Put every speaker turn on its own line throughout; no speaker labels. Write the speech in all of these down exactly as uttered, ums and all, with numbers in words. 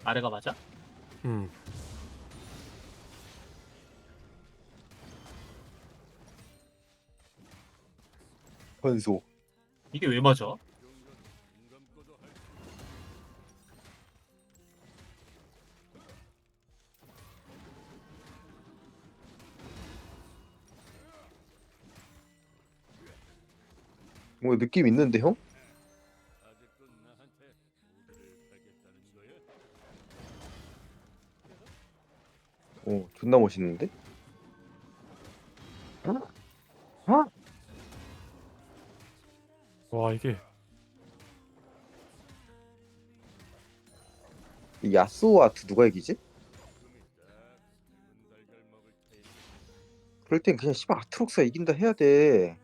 아래가 맞아?
음.
변소.
이게 왜 맞아?
뭐 느낌 있는데 형? 어 존나 멋있는데? 어?
와 이게
이 야스오와 아트 누가 이기지? 그럴 땐 그냥 씨발 아트록스가 이긴다 해야 돼.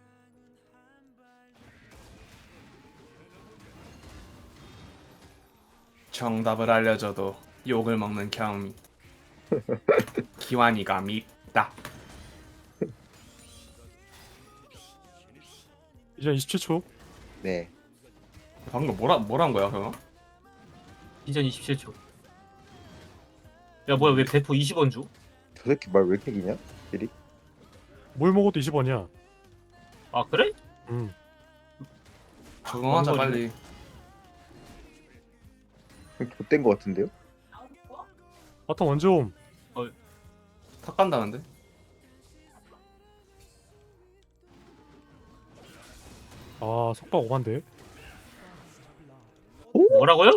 정답을 알려줘도 욕을 먹는 경미. 기완이가 밉다.
이제 이십칠 초.
네.
방금 뭐라 뭐란 거야 그거?
인전 이십칠 초. 야 뭐야 왜 배포 이십 원 줘?
저 새끼 말 왜 이렇게 기냐? 딜이?
뭘 먹어도 이십 원이야.
아 그래?
음.
적응하자
뭔
빨리.
좆된 거 같은데요?
바텀 언제 옴?
탁 간다는데?
아 속박 오반데.
뭐라고요?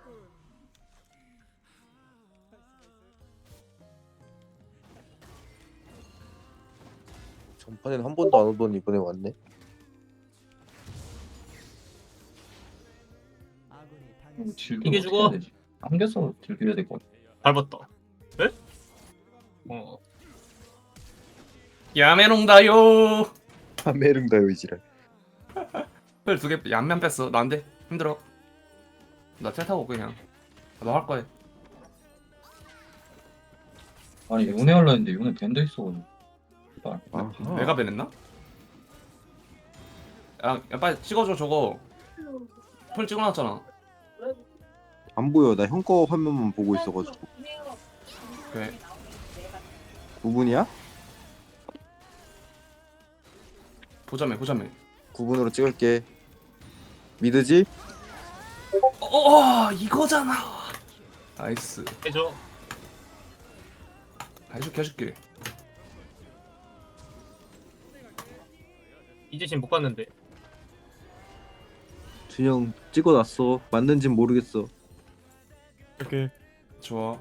전판엔 한 번도 안 오더니 이번에 왔네.
이게 죽어.
안겨서 즐겨야 될 것 같아.
밟았다. 에? 어.
야메롱다요.
파메릉다요 이지랄.
펠두개 양면 뺐어. 나 안 돼. 힘들어. 나 텔 타고 그냥. 너 할 거야.
아니 요네 하려 했는데 요네 밴드 있어가지고. 씨발.
아하.
내가 베냈나? 야, 야 빨리 찍어줘 저거. 폴 찍어놨잖아.
안 보여. 나 형 거 화면만 보고 있어가지고.
그래.
구 분이야?
보자매 보자매.
구 분으로 찍을게. 믿으지?
어, 어 이거잖아. 나이스.
해줘.
해줄게 해줄게.
이제 지금 못 갔는데.
준영 찍어놨어. 맞는진 모르겠어.
이렇게
좋아.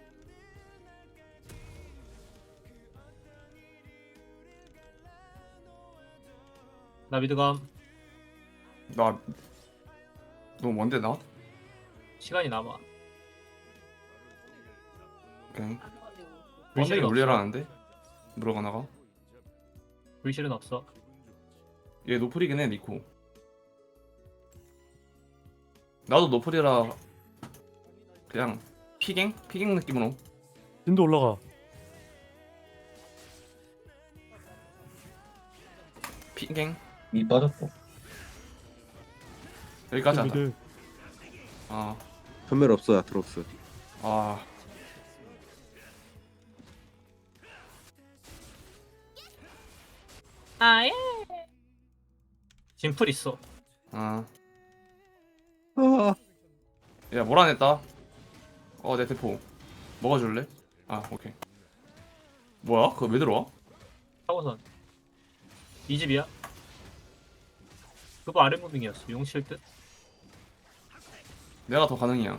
나 미드감.
나. 너 뭔데 나?
시간이 남아.
오케이.
불실은
번데기
없어.
물려라는데? 물어가 나가.
불실은 없어.
얘 노플이긴 해 니코. 나도 노플이라 그냥 피갱? 피갱 느낌으로.
진도 올라가.
피갱?
미 빠졌고.
여기까지 하자.
미드.
아,
전멸 없어 아트록스.
아.
아예. 진풀 있어.
아.
아,
야 몰아냈다. 어 내 대포 먹어줄래? 아 오케이. 뭐야? 그거 왜 들어와?
사고선. 이 집이야. 그거 아래 무빙이었어. 용칠 듯.
내가 더 가능이야.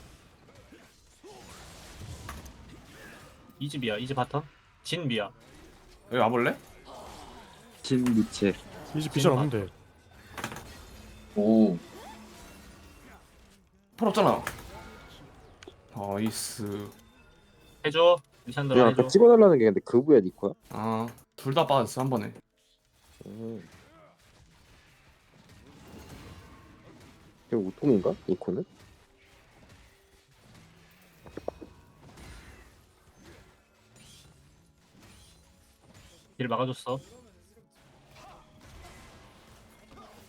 이 집이야. 이 집 바텀. 진 미야.
여기 와볼래?
진 미체.
이제 비전 없는데.
오.
풀 없잖아. 나이스.
해줘. 리산드라
준영
해줘.
아까 찍어달라는 게 근데 그부야 니코야?
아둘 다 빠졌어 한 번에.
음. 이거 우통인가? 니코는?
길 막아줬어.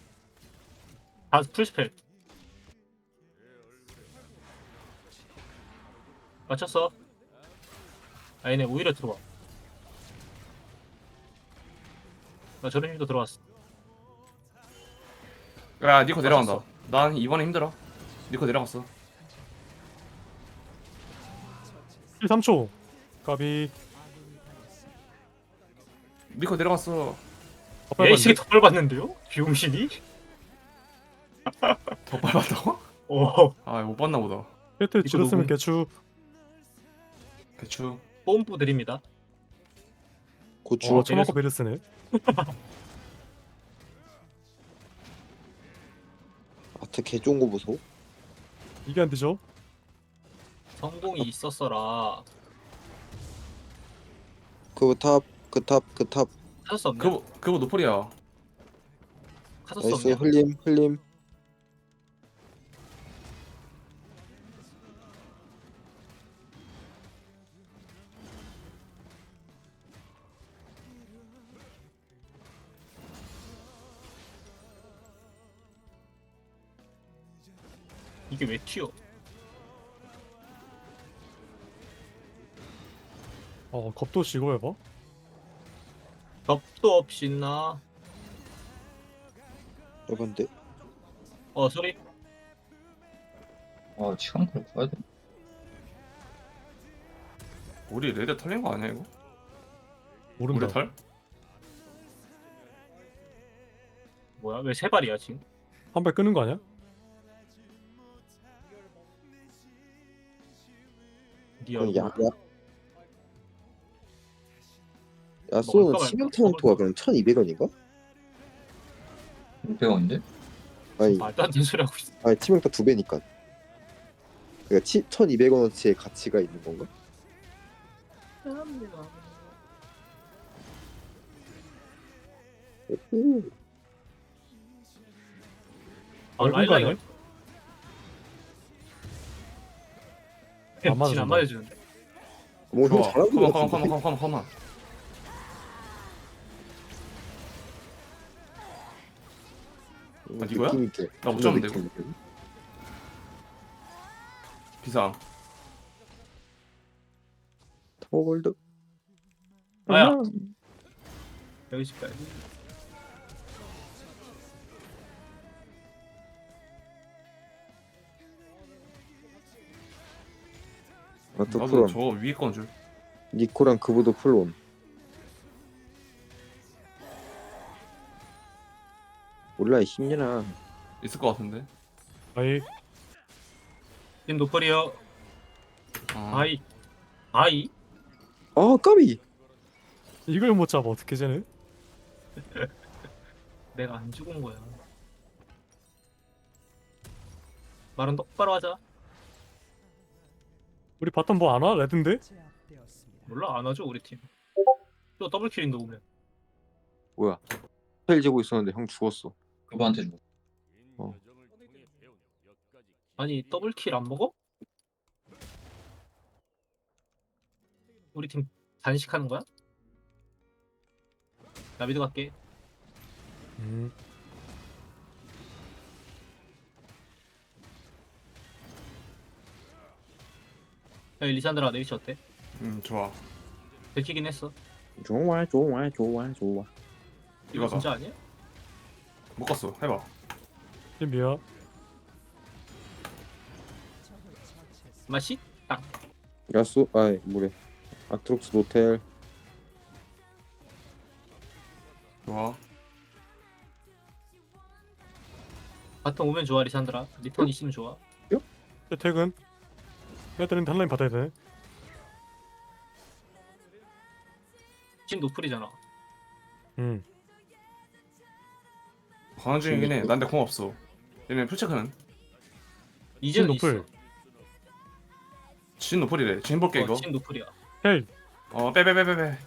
다 풀스펠. 맞췄어. 아니네, 오히려 들어와. 나 저런 힘도 들어왔어.
야 니코 내려간다.
맞췄어.
난 이번에 힘들어. 니코 내려갔어.
일 삼 초. 까비.
니코 내려갔어.
더
야, 이 새끼
빨리
더 밟았는데요? 비용신이?
더 빨랐다고?
어,
아 못 봤나 보다.
세트
이거
지렸으면
녹음.
개추.
대추.
뽐뿌 드립니다.
고추.
어, 처맞고 베르스네.
아트 개 좋은 거 보소.
이게 안 되죠?
성공이 있었어라.
그 탑, 그 탑, 그 탑.
카서스 없냐?
그거 그거 노플이야.
카서스
나이스
없냐?
흘림, 흘림.
이게 왜 튀어?
어, 겁도 시고 해봐.
벽도 없이 나.
여반데.
어, 소리.
아 시간을 가야 돼.
우리 레드 털린 거 아니야 이거?
모른다.
우리 털?
뭐야? 왜 세 발이야 지금?
한 발 끄는 거 아니야?
리얼.
그럼 야, 야.
먹을까
야쏘는
말까?
치명타운트가 그럼 천이백 원인가?
육백 원인데?
아니,
말도 안 되는 소리 하고 있어.
아니 치명타 두 배니까. 그러니까 치, 천이백 원어치의 가치가 있는 건가? 오,
아,
얼굴
라일라 이거.
가네? 안
안
맞아준다.
맞아주는데.
뭐 형
좋아.
잘하는
컴온
거
컴온
같은데.
컴온 컴온 컴온.
음,
아, 이거야?
느낌 있게.
나못
존나
잡는데,
느낌 있게.
비상.
타워골드.
아야. 여기 집까지.
아트
나도
프론.
저거 위에 건 줄.
니코랑 그보도 플론. 몰라 이 힘내나.
있을 것 같은데.
아이,
지금 노플이요.
아,
아이. 아이?
아 까비.
이걸 못 잡아 어떻게 쟤는?
내가 안 죽은 거야. 말은 똑바로 하자.
우리 바텀 뭐 안 와? 레드인데?
몰라, 안 하죠 우리 팀. 또 더블킬인데 오면.
뭐야? 텔 재고 있었는데 형 죽었어.
그거한테 줘.
아니 더블킬 안 먹어? 우리 팀 단식하는 거야? 나 미드 갈게.
음,
야 리산드라 내 위치 어때?
음 좋아.
들키긴 했어.
좋아 좋아 좋아 좋아.
이거
이거다.
진짜 아니야?
못 갔어. 해봐.
준비야.
맛이? 딱.
야쏘 아이 뭐래. 아트록스 노텔.
좋아.
바텀 오면 좋아 리산드라. 리턴 있으면 좋아.
퇴근. 애들은 단라인 받아야 되네.
지금 노플이잖아.
음,
가는 중이긴 해. 난데 공 없어. 얘네 풀체크는?
이제는
노플.
있어.
진 노플이래. 진 볼게 이거.
어, 지금 노플이야.
헬.
어, 빼 빼 빼 빼빼.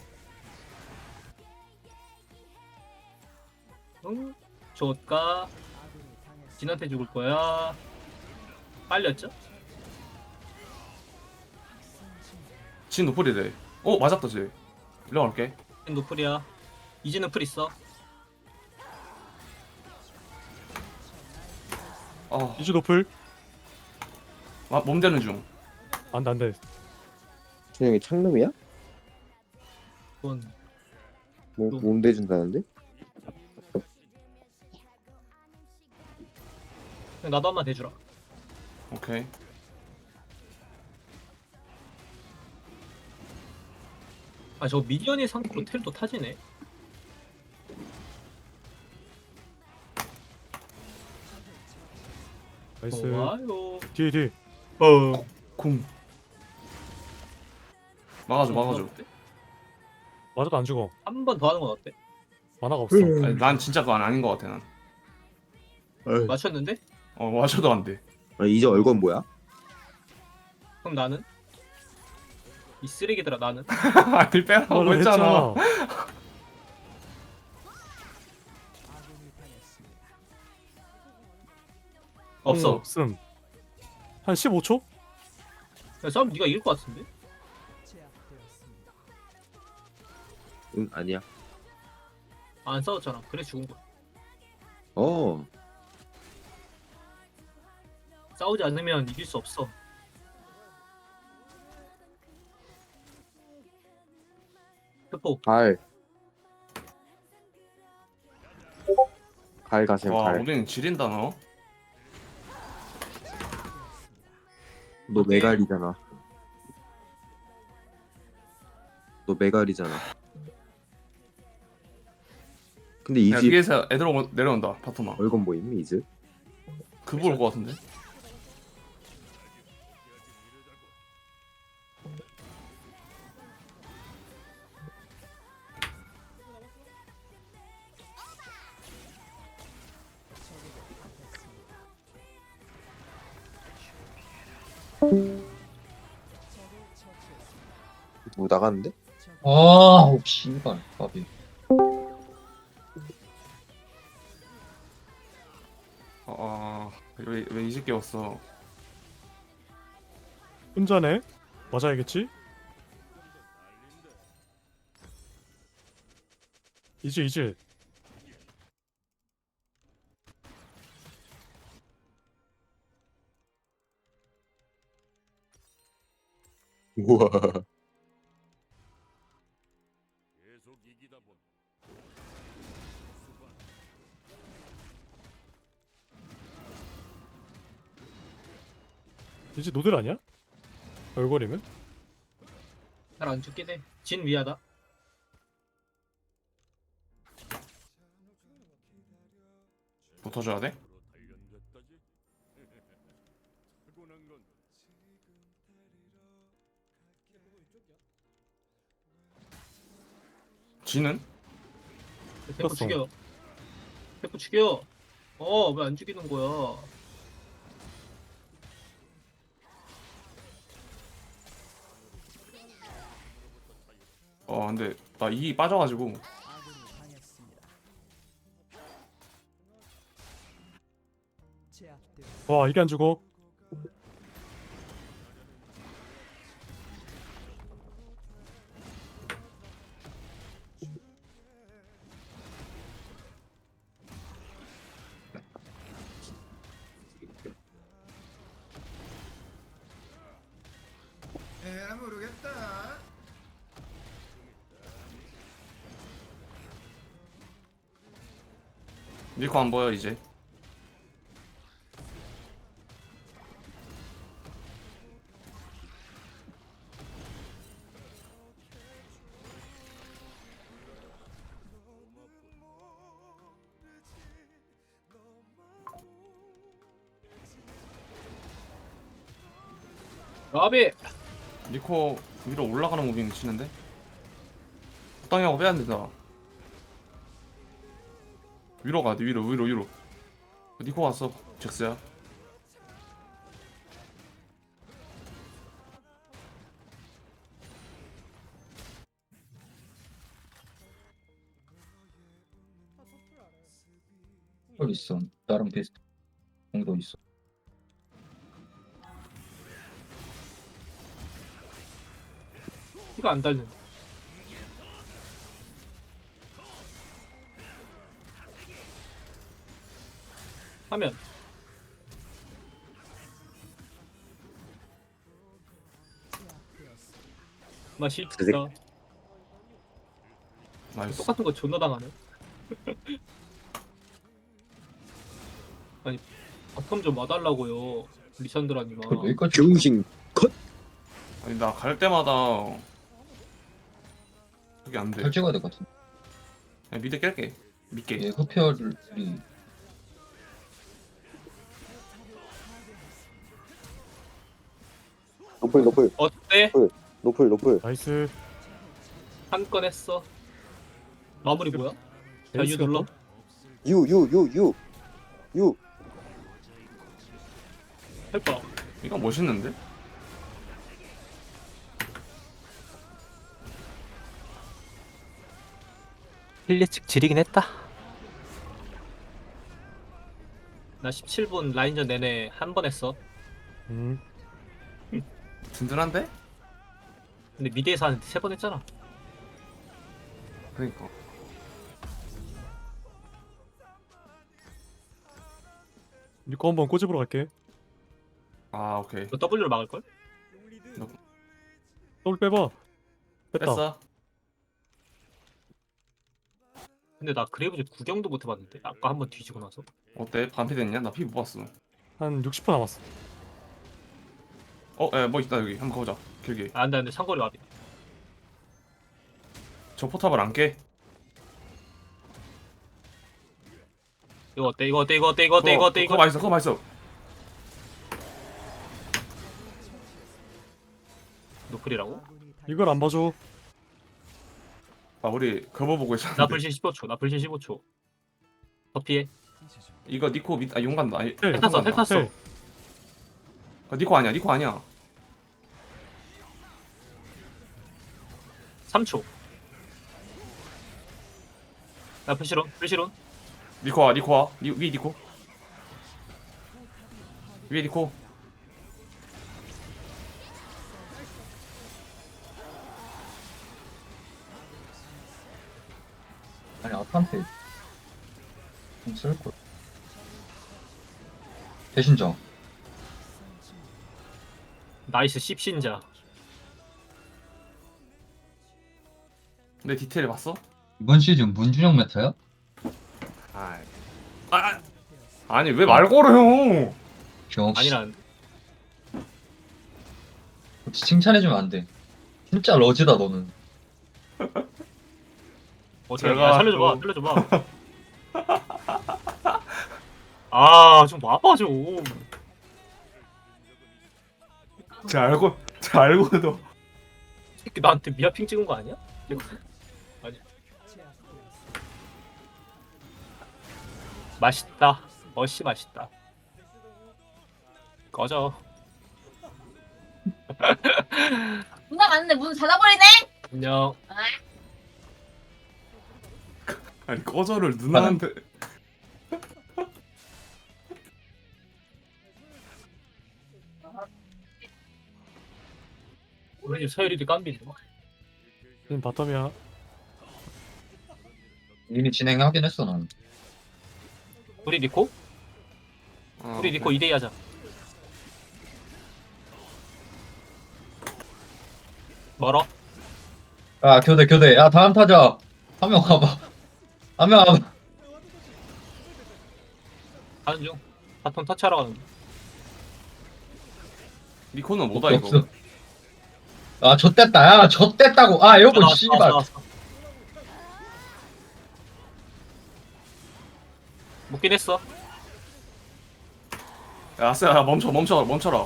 응? 좋을까? 진한테 죽을 거야. 빨렸죠?
진 노플이래. 어, 맞았다 쟤. 일로 갈게.
지금 노플이야. 이제 노플 있어.
아,
이주 노플.
아, 몸 되는 중.
안돼 안돼.
준영이 창놈이야?
그건
뭐
또-
몸 대준다는데?
그냥 나도 한번 대주라.
오케이.
아 저 미니언이 상태로 텔도 타지네.
나이스.
좋아요.
뒤에 뒤에.
어.
공. 막아줘 막아줘.
맞아도 안 죽어.
한 번 더 하는 건 어때?
만화가 없어.
아니, 난 진짜 그건 아닌 것 같아 난.
맞췄는데?
어 맞아도 안 돼.
아, 이제 얼건 뭐야?
그럼 나는? 이 쓰레기들아 나는?
아니 빼라고
말을
했잖아.
없어.
없음. 한 십오 초?
야, 싸움 네가 이길 것 같은데?
응 아니야.
안 싸웠잖아. 그래 죽은 거야.
어.
싸우지 않으면 이길 수 없어. 표
갈. 갈 가세요
와
갈.
오빈 지린다 너.
너 메갈이잖아. 너 메갈이잖아. 근데
야
이즈
위에서 애들 오고 내려온다 파토마.
얼건 보임 이즈?
그거 올 것 같은데?
뭐 나갔는데?
아, 씨발, 까비.
아왜왜 이제 깨웠어?
혼자네. 맞아야겠지? 이제 이제.
우와.
이제 노들 아니야? 얼굴이면?
잘 안 죽긴 해. 진 위하다.
붙어줘야 돼? 지는?
대포
떴어.
죽여. 대포 죽여. 어, 왜 안 죽이는 거야?
어 근데 나 이 빠져가지고
와 이게 안 죽어.
에라 모르겠다.
니코 안 보여 이제.
라비.
니코 위로 올라가는 무빙 치는데? 적당히 하고 빼야 된다. 위로 가야 돼 위로 위로 위로. 니코 왔어 잭스야.
헐 있어. 나랑 비슷. 공도 있어.
피가 안 달는. 하면 맛있다.
드세-
나이스.
똑같은 거 존나 당하네. 아니 바텀 좀 와달라고요, 리산드라님아.
그걸 여기까지
병신
아니 나 갈 때마다 그게 안 돼.
펼 찍어야 될 것 같은데.
그냥 미드 깰게. 믿게.
얘 흡혈이
노플 노플
어때?
노플 노플.
나이스.
한 건 했어. 마무리 뭐야? 자, 유
에이스가
눌러.
또?
유 유 유 유 유.
해봐.
이거 멋있는데?
힐리측 지리긴 했다.
나 십칠 분 라인전 내내 한 번 했어.
음.
든든한데?
근데 미드에서 한 세 번 했잖아.
그러니까.
니꺼 한번 꼬집으러 갈게.
아 오케이.
너 W를 막을 걸?
더블 빼봐. 뺐다.
뺐어.
근데 나 그레이브즈 구경도 못 해봤는데 아까 한 번 뒤지고 나서.
어때? 반피 됐냐? 나 피 못 봤어.
한 육십 퍼센트 남았어.
어, 에, 뭐 있다 여기. 한번 가보자. 길게.
아, 안돼 안돼 상거리 와비.
저 포탑을 안 깨.
이거 어때? 이거 어때? 이거 어때? 이거 어때? 이거 어때?
그거
이거
맛있어. 그거 맛있어.
노플이라고?
이걸 안 봐줘.
아 우리 거버 보고
나
있었는데.
불신 십오 초. 나 불신 십오 초. 더 피해.
이거 니코 밑, 아 용간다. 아니,
텔
탔어,
용간다.
텔 탔어.
텔.
아, 니코 아니야. 니코 아니야.
삼 초. 나 불시론. 불시론.
니코 와. 니코 와. 니, 위 니코. 위에 니코.
아니 아타한테 좀 쓸걸. 대신정.
나이스 십신자.
내 디테일 봤어?
이번 시즌 문준영 메타야?
아, 아, 아니 왜 말 걸어요?
역시
아니란.
혹시 칭찬해주면 안 돼. 진짜 러지다 너는.
어떻게
제가
야, 살려줘봐.
또-
살려줘봐. 아, 좀 와봐 좀.
제 알고, 제 알고도.
새끼 나한테 미아핑 찍은 거 아니야? 아니. 맛있다. 멋이 맛있다. 꺼져.
문 닫았는데 문 닫아버리네?
안녕.
아니 꺼져를 누나한테.
우리 집 서열이도 깜비네.
지금 바텀이야.
이미 진행하긴 했어 난.
우리 니코?
어,
우리 니코 이 대 이 하자. 멀어?
야 교대 교대. 야 다음 타자. 한 명 가봐. 한 명 가봐.
가는 중. 바톤 터치하러 가는 중.
니코는 뭐다 이거?
없어. 아 좆됐다. 야 좆됐다고. 아 요거
나왔어,
씨발.
나왔어, 나왔어. 먹긴 했어.
야 아싸 멈춰 멈춰 멈춰라.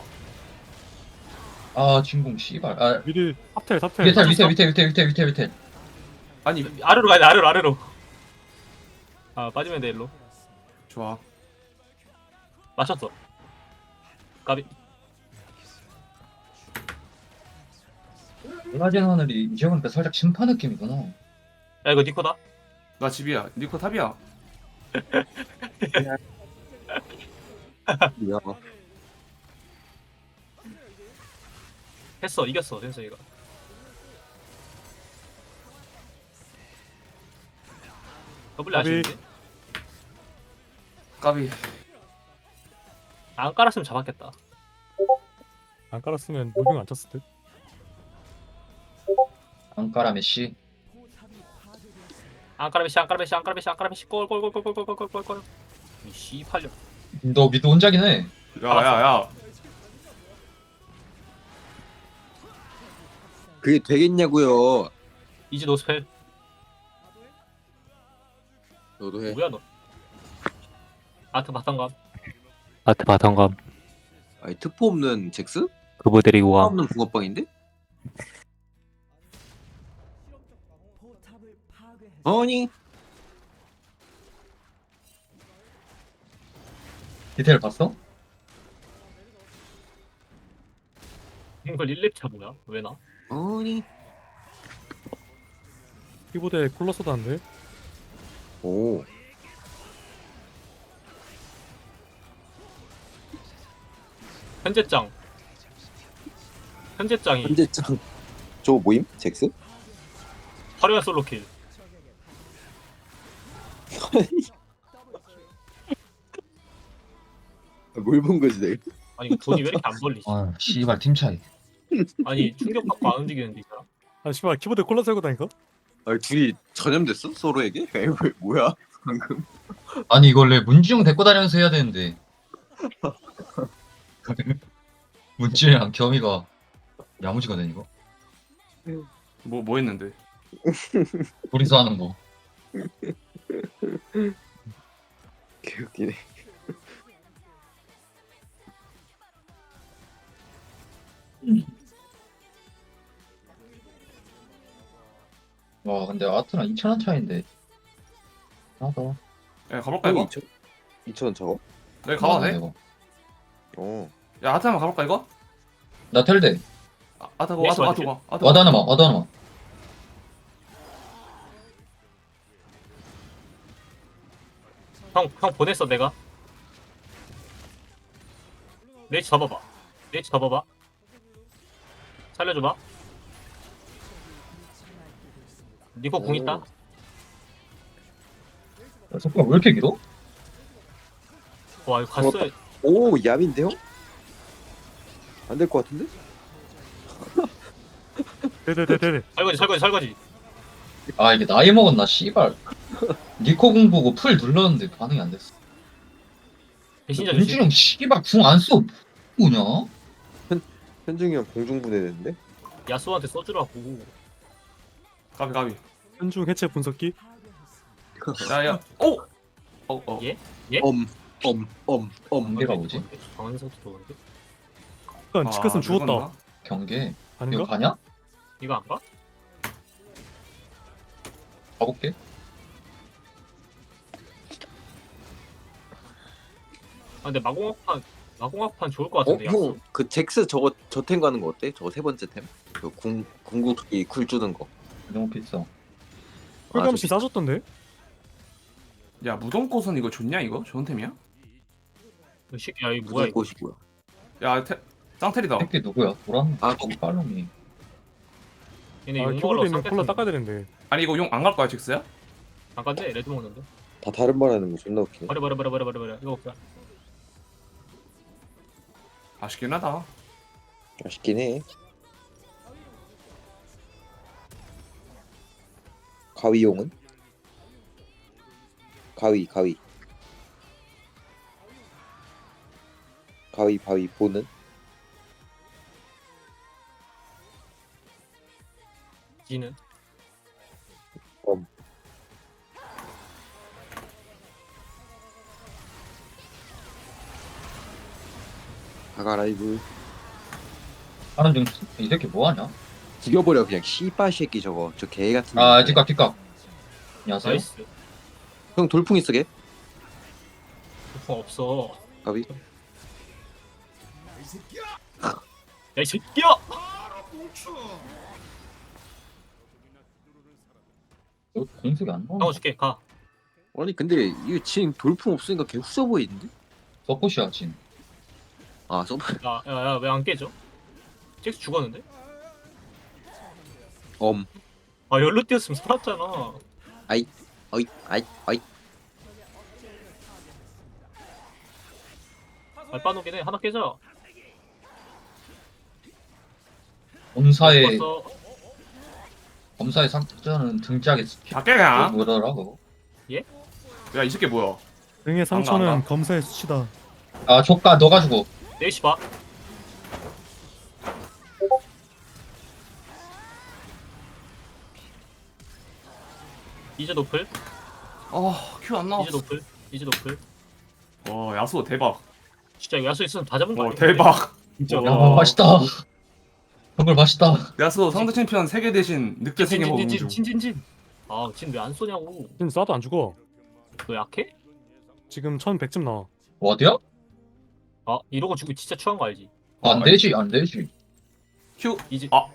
아 진공 씨발. 아
미리 탑텔 탑텔.
밑에 밑에 밑에 밑에 밑에 밑에 밑에.
아니
아래로 가야 돼, 아래로, 아래로. 아, 빠지면 돼, 일로.
좋아.
맞췄어. 까비.
노라진 하늘이 이제 보니까 살짝 심파 느낌이구나.
야, 이거 니코다.
나 집이야. 니코 탑이야.
야
했어, 이겼어, 센서이가. 더블
까비.
아쉬운데?
까비.
안 깔았으면 잡았겠다.
안 깔았으면 무빙 안 쳤을 듯.
앙까라 메시.
안까라메시 안까라메시 안까라메시 안까라메시 꼴꼴꼴꼴꼴꼴꼴꼴꼴. 이 씨팔려.
너 미드 혼자긴 해.
야야야.
그게 되겠냐고요.
이제 노스펠.
너도 해.
뭐야 너? 아트 바탕감.
아트 바텀감.
아니 특포 없는 잭스?
그보 데리고
특포
와.
없는 붕어빵인데? 아니
디테일 봤어?
이걸 일 렙차 뭐야? 왜 나?
아니
키보드에 쿨러 쏟았는데.
오
현재짱. 현재짱이
현재짱 저거 모임? 잭스?
화려한 솔로킬.
뭘 본 거지 내가?
아니 이거 돈이 왜 이렇게 안 벌리지?
아 씨발 팀 차이.
아니 충격받고 안 움직이는데 이 사람?
아 씨발 키보드에 콜러 세고 다니까?
아니 둘이 전염됐어? 서로에게? 에이 왜, 뭐야 방금?
아니 이걸 왜 문지영 데리고 다니면서 해야 되는데. 문지영이랑 겸이가 야무지가 된 이거.
뭐 뭐 했는데?
둘이서 하는 거.
개웃기네.
와 근데 아트랑 이천 원 차인데. 나도.
야 가볼까 이거?
이천 원 저거?
내가 가봐도 돼?
이거.
어.
야 아트 한번 가볼까 이거?
나 텔대.
아, 아트 가
넥스
아트 아트
맞지?
가 아트
와드
가.
하나만 와드 하나만.
형, 형 보냈어 내가. 레이치 잡아봐. 레이치 잡아봐. 살려줘봐. 니코 궁 있다.
야, 속도가 왜 이렇게 길어?
와 이거 갔어.
고맙다. 오 얌인데요? 안 될 것 같은데?
네네네네.
설거지 설거지 설거지.
아 이게 나이 먹었나 씨발. 니코 공 보고 풀 눌렀는데 반응이 안 됐어.
배신자 조심.
문지영 씨발 궁 안 써. 뭐냐?
현중이 형 공중분해됐는데?
야수한테 써주라고.
가비 가비.
현중 해체 분석기.
야야. 오. 어 어.
예?
엄, 엄, 엄, 엄.
경계가 뭐지?
강원석도 좋은데?
약간 치크슨 죽었다.
늙었나?
경계. 이거
아닌가?
가냐?
이거 안 가?
가볼게.
아 근데 마공학판 마공학판 좋을 것
어?
같은데. 야수.
형, 그 잭스 저거 저 템 가는 거 어때? 저거 세 번째 템? 그 궁, 궁극기 쿨 주는 거.
너무 비싸.
꿀감시 싸졌던데?
야 무덤꽃은 이거 좋냐 이거? 좋은 템이야?
이 새끼 야 이거 뭐야 이거?
꽃이고요.
야 테, 짱테리다.
새끼 누구야? 보란?
아,
거기 팔로미.
얘네
아
욕
키보드에
먹으러
있는 콜러
쌍욕
닦아야 되는데.
아니 이거 용 안 갈 거야 잭스야?
잠깐데 레드 먹는데.
다 다른 말 하는 거 존나 웃기네.
버려 버려 버려 버려 버려 버려. 이거 없다.
아쉽긴 하다.
아쉽긴 해. 가위용은? 가위, 가위. 가위, 바위, 보는?
지는
엄. 아가 라이브.
하는 중 이 새끼 뭐하냐?
죽여버려 그냥 씨발 새끼 저거 저 개 같은.
아
놈.
뒷각 뒷각. 안녕하세요.
나이스.
형 돌풍 있어 걔?
어, 없어.
가위.
야 이 새끼야!
바로 뭉쳐.
너 공격이 안 나와.
나와 줄게 가.
아니 근데 이거 지금 돌풍 없으니까 걔 후져 보이는데?
서포시야 진.
아 서브.
야야야 왜 안 깨져? 잭스 죽었는데?
엄.
아 열로 뛰었으면 살았잖아.
어이 어이 어이.
알바노긴 해. 하나 깨져.
본사에
죽었어.
검사의 상처는 등짝에
밖에 그냥.
뭐더라고.
야, 이 새끼 뭐야?
등의
안
상처는
가.
검사의 수치다.
아 조카 너 가지고.
네시 봐. 이제 노플.
아, 큐 안
이제
나왔어.
노플. 이제 노플.
와, 야수 대박.
진짜 야수 있으면 다 잡은 거
와,
아니야?
대박.
진짜.
야
와.
맛있다. 정말 맛있다.
야수 상대 챔피언 세 개 대신 늑대 세 개 먹은 중.
진진진진진. 아, 진 왜 안 쏘냐고.
지금 쏴도 안 죽어.
너 약해?
지금 천백쯤 나와.
어디야?
아, 이러고 죽이 진짜 추한 거 알지?
안 되지 안 되지.
큐.
이제
아.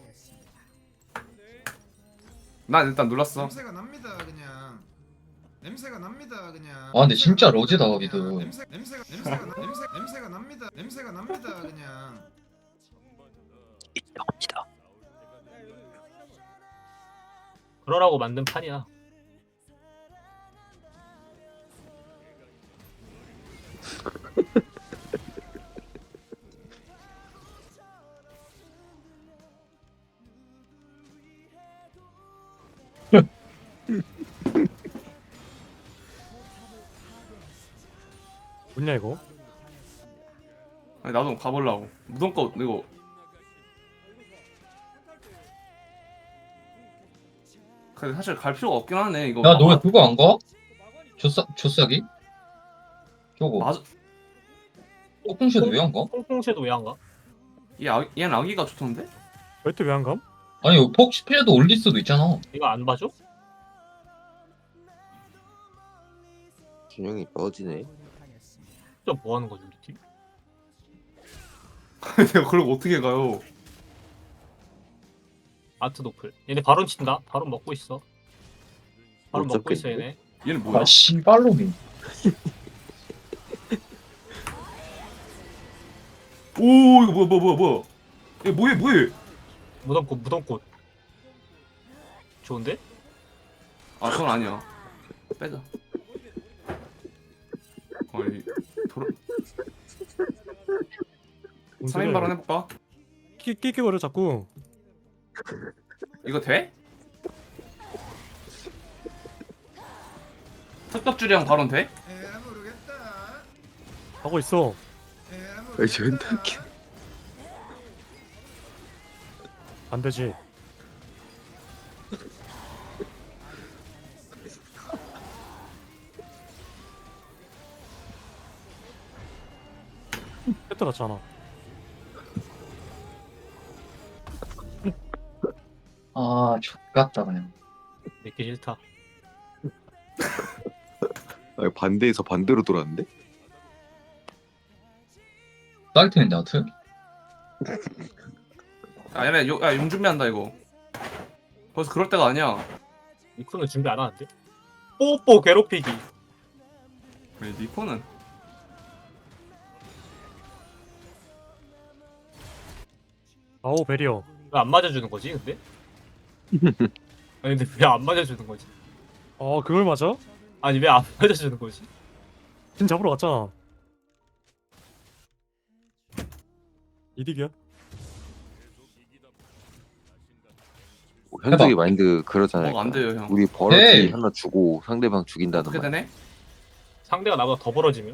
난 일단 눌렀어.
냄새가 납니다 그냥. 냄새가 납니다 그냥.
아, 근데 진짜 로제다,
그냥.
거기도.
냄새 냄새가 냄새가 나- 냄새 냄새가 납니다. 냄새가 납니다 그냥.
인정합니다.
그러라고 만든 판이야.
뭐냐 이거?
아니, 나도 가보려고. 무덤거 이거. 근데 사실 갈 필요가 없긴 하네. 이거.
야 너 왜
막아-
그거 안 가? 조싸 조싸기? 저거.
맞아.
폭풍쉐도 왜 안 가?
콩콩새도 왜 안 가?
얘 아, 얘는 아기가 좋던데?
웨트 왜안 감?
아니 폭스피에도 올릴 수도 있잖아.
이거 안 봐줘?
균형이 떨어지네.
진짜 뭐 하는 거지 우리 팀?
내가 그걸 어떻게 가요?
아트 노플. 얘네 바론 친다. 바론 먹고 있어. 바론
못
먹고 있어
잡겠는데?
얘네.
얘는 뭐야?
아 씨발로미.
오, 이거 뭐야 뭐야 뭐야 뭐야? 얘 뭐해 뭐해?
무덤꽃 무덤꽃. 좋은데?
아, 그건 아니야. 빼자. 어이, 돌아. 삼 인 발언 해볼까?
끼끼거려 자꾸.
이거 돼? 특급주량 발언 돼?
에라 모르겠다.
하고 있어.
에라
아이, 존나
모르겠다.
웃겨.
안 되지. 뺏어갔잖아.
아 족같다 그냥.
내기 싫다.
아, 반대에서 반대로 돌았는데?
사이트인데 하트?
아, 얘네 요, 야, 용 준비한다 이거. 벌써 그럴 때가 아니야.
이코는 준비 안 하는데? 뽀뽀 괴롭히기.
왜 니코는?
아오 베리어.
왜 안 맞아주는 거지 근데? 아니 근데 왜 안 맞아주는 거지?
어 그걸 맞아?
아니 왜 안 맞아주는 거지?
진 잡으러 갔잖아. 이득이야?
현석이 마인드 그러잖아요.
뭐가 안 돼요 형.
우리 버러지
에이.
하나 주고 상대방 죽인다는
어떻게
말.
되네?
상대가 나보다 더 벌어지면?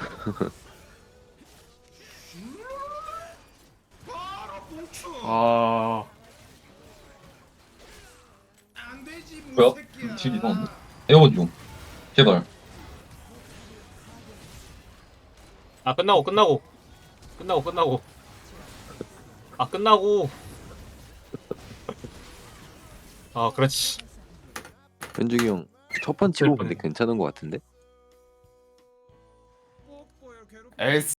바로 꽁추.
아,
안 되지
뭐야?
무새끼야.
딜이 나왔네. 에어건 좀. 제발.
아 끝나고 끝나고 끝나고 끝나고 아 끝나고 아 그렇지.
현중이 형 첫 판 치고 근데 괜찮은 것 같은데?
뽀뽀요, 괴롭-
에이